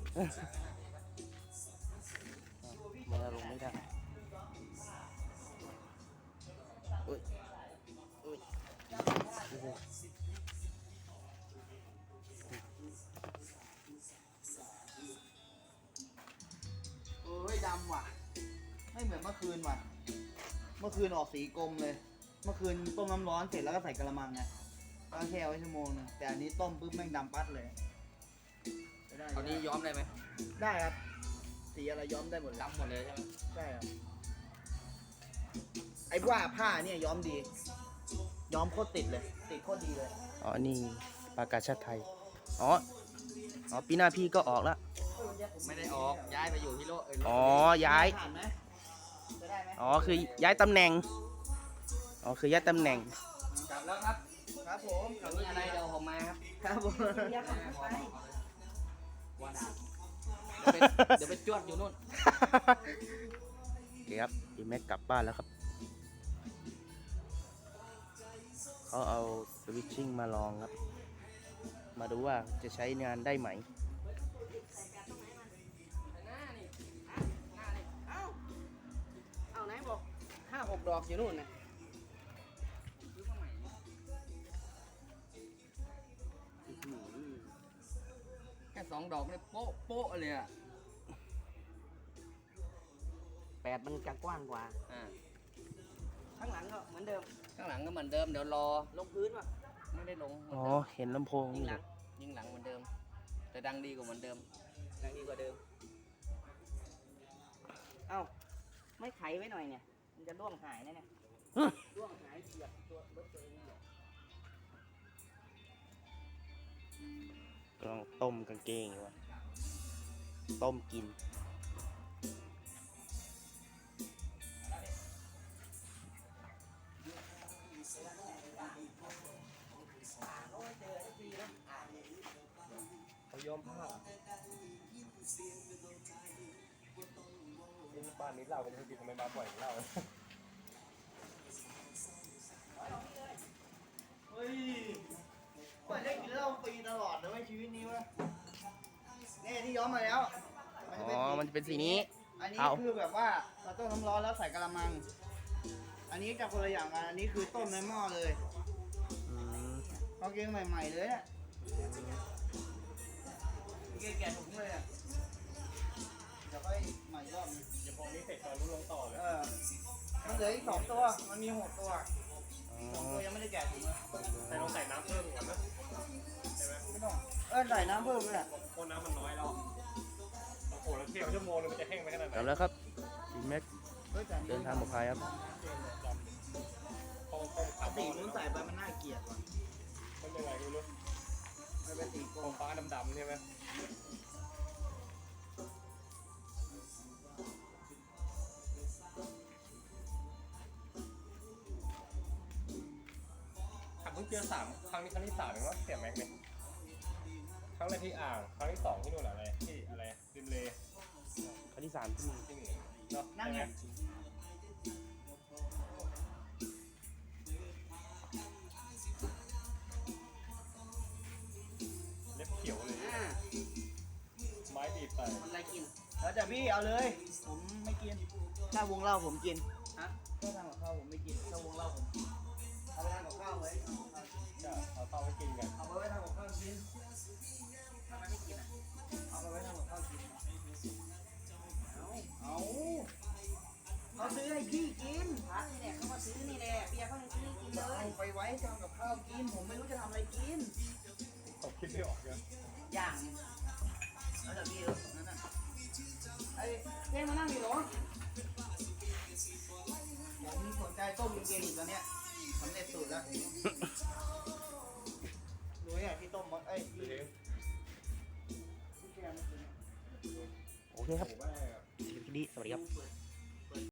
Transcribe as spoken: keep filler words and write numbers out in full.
มันลงไม่ได้อุ้ยอุ้ยโอ้โหเอ้ยดำว่ะไม่เหมือนเมื่อคืนว่ะเมื่อคืนออกสีกรมเลย เมื่อคืนต้มน้ำร้อนเสร็จแล้วก็ใส่กระมังไงก็แช่ไว้ชั่วโมงนึงแต่อันนี้ต้มปุ๊บแม่งดำปัดเลยตอนนี้ย้อมได้ไหมได้ครับสีอะไรย้อมได้หมดเลยดำหมดเลยใช่ไหมใช่ครับไอ้ว่าผ้าเนี่ยย้อมดี ย้อมโคตรติดเลย ติดโคตรดีเลยอ๋อนี่ประกาศชาติไทยอ๋ออ๋อปีหน้าพี่ก็ออกแล้วไม่ได้ออกย้ายไปอยู่ที่โลกอ๋อย้ายผ่านไหมจะได้ไหมอ๋อคือย้ายตำแหน่งอ๋อคือย้ายตำแหน่งกลับแล้วครับครับผมมีอะไรเดี๋ยวผมมาครับครับผมว่าด่าเดี๋ยวไปจวดอยู่นู่นโอเคครับพี่แม็กกลับบ้านแล้วครับเขาเอาสวิตชิ่งมาลองครับมาดูว่าจะใช้งานได้ไหมเอาไหนบอกห้าหกดอกอยู่นู่นนะแค่สองดอกเนี่ยโป๊ะโป๊ะเลยอ่ะแปดมันจะกว้างกว่าอ่าข้างหลังก็เหมือนเดิมข้างหลังก็เหมือนเดิมเดี๋ยวรอลงพื้นว่ะไม่ได้ลงอ๋อเห็นลำโพงยิงนี่หลังยิงหลังเหมือนเดิม แต่ดังดีกว่าเหมือนเดิมดังดีกว่าเดิม เอ้า ไม่ไขไว้หน่อยเนี่ย มันจะร่วงหายนะเนี่ยร่วงหายเหยียบตัวรถตัวเองเนี่ยกำลังต้มกางเกงอยู่วะต้มกินเขายอมผ้าที่บ้านนี้เราก็ไม่ได้ทำไมมาบ่อยเราเฮ้ยว่าได้กินเหล้าฟรีตลอดเลยเว้ยชีวิตนี้เวะนี่ที่ย้อมมาแล้วอ๋อมันจะเป็นสีนี้อันนี้เอาคือแบบว่าเราต้มน้ำร้อนแล้วใส่กระมัง อันนี้จะคนละอย่างกัน อันนี้คือต้มในหม้อเลยอืมเอาเกงใหม่ๆเลยเนี่ยเกงแกะถุงเลยอะเดี๋ยวค่อยใหม่รอบนึงเดี๋ยวพอนี้เสร็จตอนรู้ลงต่อเลยเออมันเหลืออีกสองตัว มันมีหกตัวอ๋สองอตัวยังไม่ได้แกะถุงเลยแต่ต้องใส่น้ำเพิ่มก่อนนะใช่ไหมไม่ต้องเออใส่น้ำเพิ่มด้วยอะเพราะน้ำมันน้อยแล้วโอ้โหแล้วเที่ยวชั่วโมงนึงมันจะแห้งไปขนาดไหนกลับแล้วครับพี่แม็กเฮ้ยแต่เดินทางปลอดภัยครับพอต้มปขาก วตินู้นใส่ไปมันน่าเกลียดว่ะมันยังไงไม่รู้มันเป็นสีกรขอมงฟ้าดำๆใช่ไหมขับเพิ่งเจอสามครั้งนี้ครั้งที่สามเองว่าเสียแม็กเนี่ยครั้งแรกที่อ่างครั้งที่สองที่นู่นอะไรที่อะไรริมเลครั้งที่สามที่มีที่นี่เนาะนั่งใช่ไหไงมเล็บเขียวเลยอ่าไม้บีบไปมันอะไรกินแล้วแต่พี่เอาเลย ผมไม่กิน ถ้าวงเหล้าผมกินฮะถ้าทำกับข้าวผมไม่กิน ถ้าวงเหล้าผมกิน เอาไปทำกับข้าวไว้จะเอาเข้าไปกินกันเอาไปไว้ทำกับข้าวกินทำไมไม่กินอ่ะเอาไปไว้ทำกับข้าวกิน เอาเอาเขาซื้อให้พี่กินพระนี่แหละเขามาซื้อนี่แหละเบียร์เขายังซื้อกินเลยเอาไปไว้ทำกับข้าวกิน ผมไม่รู้จะทำอะไรกินตกคิดไม่ออกเลยอย่างแล้วแต่พี่เออนั่นน่ะไอ้เจ๊มานั่งอยู่เหรอผมสนใจต้มเกงอยู่ตอนเนี้ยสำเร็จสูตรแล้วรู้ไหมที่ต้มมดเอ้ยที่เฮ้ยที่แกงเมื่อกี้โอเคครับผมว่าคลิปนี้สวัสดีครับ